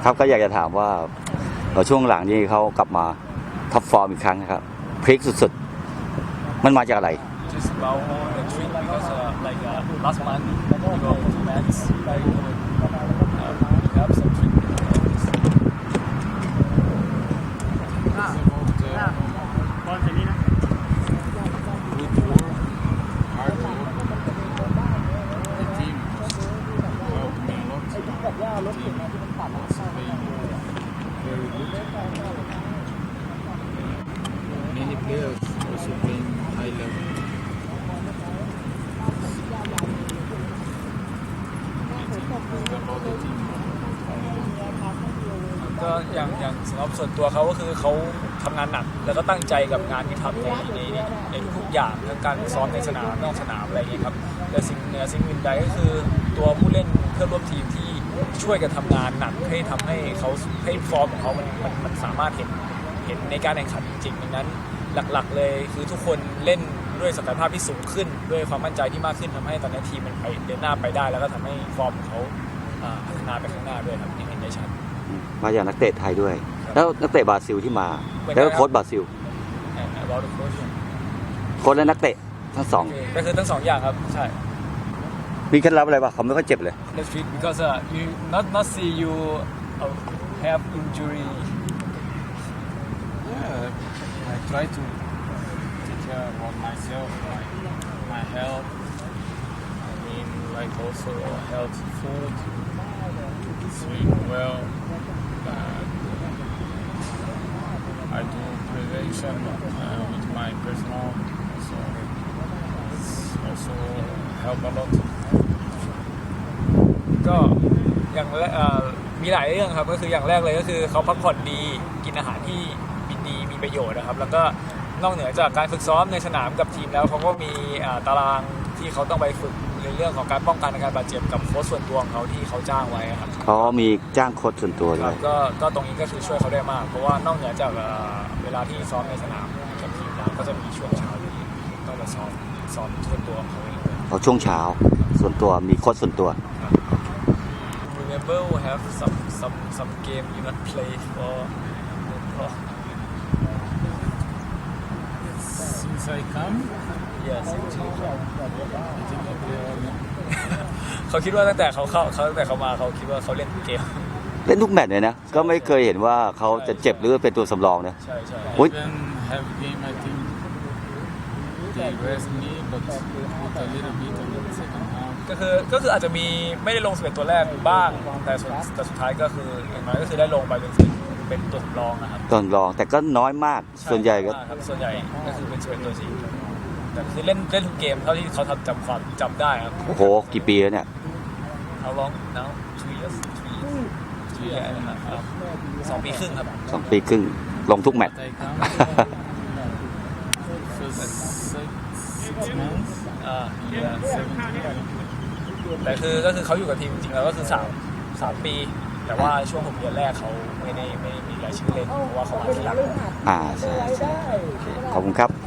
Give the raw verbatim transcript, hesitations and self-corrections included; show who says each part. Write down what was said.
Speaker 1: ครับก็อยากจะถามว่าช่วงหลังนี้เขากลับมาท็อปฟอร์มอีกครั้งนะครับพลิกสุดๆมันมาจากอะไร
Speaker 2: Just about the trip because uh, like uh, last month we go to Mets like uh, we have some trip.
Speaker 3: Good work, hard work. The team helped me a lot. The team was playing very good. Many players also playing high level. It's about the team.
Speaker 2: ก็อย่างอย่างสำหรับส่วนตัวเขาก็คือเขาทำงานหนักแล้วก็ตั้งใจกับงานที่ทำในในในทุกอย่างทั้งการซ้อมในสนามนอกสนามอะไรอย่างนี้ครับแต่สิ่งเหนือสิ่งอื่นใดก็คือตัวผู้เล่นเพื่อนร่วมทีมที่ช่วยกันทำงานหนักให้ทำให้เขาให้ฟอร์มของเขามันมันมันสามารถเห็นเห็นในการแข่งขันจริงๆดังนั้นหลักๆเลยคือทุกคนเล่นด้วยศักยภาพที่สูงขึ้นด้วยความมั่นใจที่มากขึ้นทำให้ตอนนี้ทีมมันไปเดินหน้าไปได้แล้วก็ทำให้ฟอร์มของเขาพัฒนาไปข้างหน้าด้วยครับยังเห็นได้ชัด
Speaker 1: มาจากนักเตะไทยด้วยแล้วนักเตะบราซิลที่มาแล้วก็โค้ชบราซิลโค้ชและนักเตะทั้งสอง
Speaker 2: ก็คือทั้งสองอย่างครับใช่
Speaker 1: มีเคล็ดลับอะไรบ้างเขาไม่ค่อยเจ็บเลย
Speaker 2: Let's treat because uh, you not not see you uh, have injury.
Speaker 3: Yeah, I try to take care about myself, my my health. I mean, like also healthy food, sleep well. Uh, I do prevention uh, with my personal, so it's also help a lot.
Speaker 2: ก็อย่างแรกมีหลายเรื่องครับก็คืออย่างแรกเลยก็คือเขาพักผ่อนดีกินอาหารที่มีดีมีประโยชน์นะครับแล้วก็นอกเหนือจากการฝึกซ้อมในสนามกับทีมแล้วเขาก็มีตารางที่เขาต้องไปฝึกในเรื่องของการป้องกันการบาดเจ็บกับโค้ชส่วนตัวของเขาที่เขาจ้างไว้ครับ
Speaker 1: เขามีจ้างโค้ชส่วนตัวด้วย
Speaker 2: ก็ก็ตรงนี้ก็คือช่วยเขาได้มากเพราะว่านอกเหนือจากเวลาที่ซ้อมในสนามกับทีมแล้วก็จะมีช่วงเช้าที่ต้องมาซ้อมซ้อมส่วนตัวของเขาเอง
Speaker 1: เขาช่วงเช้าส่วนตัวมีโค้ชส่วนตัว
Speaker 2: Remember we have some some some game you not play for for
Speaker 3: Since I come,
Speaker 2: yes
Speaker 3: I think I play all.
Speaker 2: เขาคิดว่าตั้งแต่เขาเข้าเขาตั้งแต่เขามาเขาคิดว่าเขาเล่นเกม
Speaker 1: เล่นทุกแมตช์เลยนะก็ไม่เคยเห็นว่าเขาจะเจ็บหรือเป็นตัวสำรองนะ
Speaker 2: ใช่ใช่
Speaker 3: Even have game I think they rest me but put a little bit on the second half.
Speaker 2: ก็คือก็คืออาจจะมีไม่ได้ลงสิบเอ็ดตัวแรกบ้างแต่สุดแต่สุดท้ายก็คืออย่างน้อยก็คือได้ลงไปเป็นเป็นตัวสำรองนะครับ
Speaker 1: ตัวสำรองแต่ก็น้อยมากส่วนใหญ่ก็
Speaker 2: ส่วนใหญ่ก็คือเป็นสิบเอ็ดตัวจริงแต่คือเล่นเล่นทุกเกมเท่าที่เขาทำจำความจำได้ครับ
Speaker 1: โอ้โหกี่ปีแล้วเนี่ย
Speaker 2: How long now two years three years three years นะครับสองปีครึ่งครับ
Speaker 1: สองปีครึ่งลงทุกแมตช์
Speaker 2: อ่าแต่คือก็คือเขาอยู่กับทีมจริงๆแล้วก็คือสามสามปีแต่ว่าช่วงหกเดือนแรกเขาไม่ได้ไม่ได้มีรายชื่อเล่นเพราะว่าเขามาทีหลัง
Speaker 1: อ่าใช่ขอบคุณครับ